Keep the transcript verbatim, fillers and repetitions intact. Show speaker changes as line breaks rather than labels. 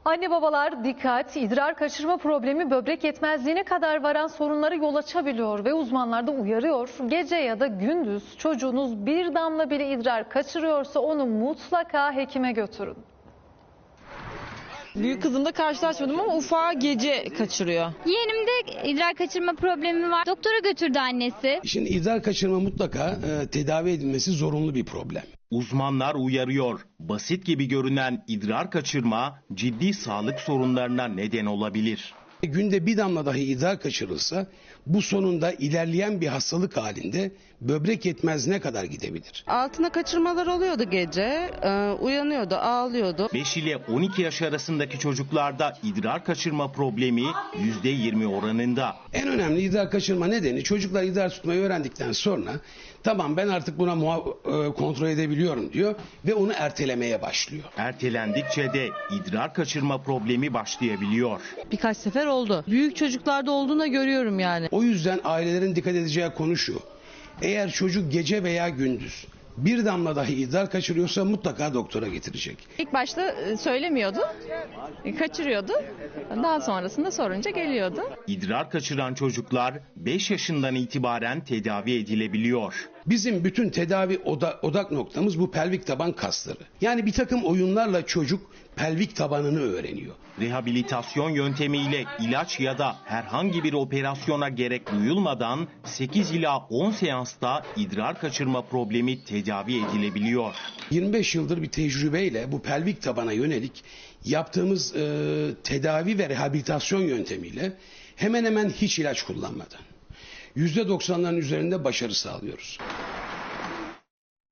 Anne babalar dikkat, idrar kaçırma problemi böbrek yetmezliğine kadar varan sorunlara yol açabiliyor ve uzmanlar da uyarıyor. Gece ya da gündüz çocuğunuz bir damla bile idrar kaçırıyorsa onu mutlaka hekime götürün.
Büyük kızımda karşılaşmadım ama ufağı gece kaçırıyor.
Yeğenimde idrar kaçırma problemi var. Doktora götürdü annesi.
Şimdi idrar kaçırma mutlaka e, tedavi edilmesi zorunlu bir problem.
Uzmanlar uyarıyor. Basit gibi görünen idrar kaçırma ciddi sağlık sorunlarına neden olabilir.
Günde bir damla dahi idrar kaçırılsa bu sonunda ilerleyen bir hastalık halinde böbrek yetmezliğine kadar gidebilir.
Altına kaçırmalar oluyordu gece, ee, uyanıyordu, ağlıyordu.
beş ile on iki yaş arasındaki çocuklarda idrar kaçırma problemi yüzde yirmi oranında.
En önemli idrar kaçırma nedeni çocuklar idrar tutmayı öğrendikten sonra tamam ben artık buna muha- e, kontrol edebiliyorum diyor ve onu ertelemeye başlıyor.
Ertelendikçe de idrar kaçırma problemi başlayabiliyor.
Birkaç sefer oldu. Büyük çocuklarda olduğunu görüyorum yani.
O yüzden ailelerin dikkat edeceği konu şu: eğer çocuk gece veya gündüz bir damla dahi idrar kaçırıyorsa mutlaka doktora getirecek.
İlk başta söylemiyordu, kaçırıyordu. Daha sonrasında sorunca geliyordu.
İdrar kaçıran çocuklar beş yaşından itibaren tedavi edilebiliyor.
Bizim bütün tedavi oda, odak noktamız bu pelvik taban kasları. Yani bir takım oyunlarla çocuk pelvik tabanını öğreniyor.
Rehabilitasyon yöntemiyle ilaç ya da herhangi bir operasyona gerek duyulmadan sekiz ila on seansta idrar kaçırma problemi tedavi edilebiliyor.
yirmi beş yıldır bir tecrübeyle bu pelvik tabana yönelik yaptığımız e, tedavi ve rehabilitasyon yöntemiyle hemen hemen hiç ilaç kullanmadan yüzde doksanların üzerinde başarı sağlıyoruz.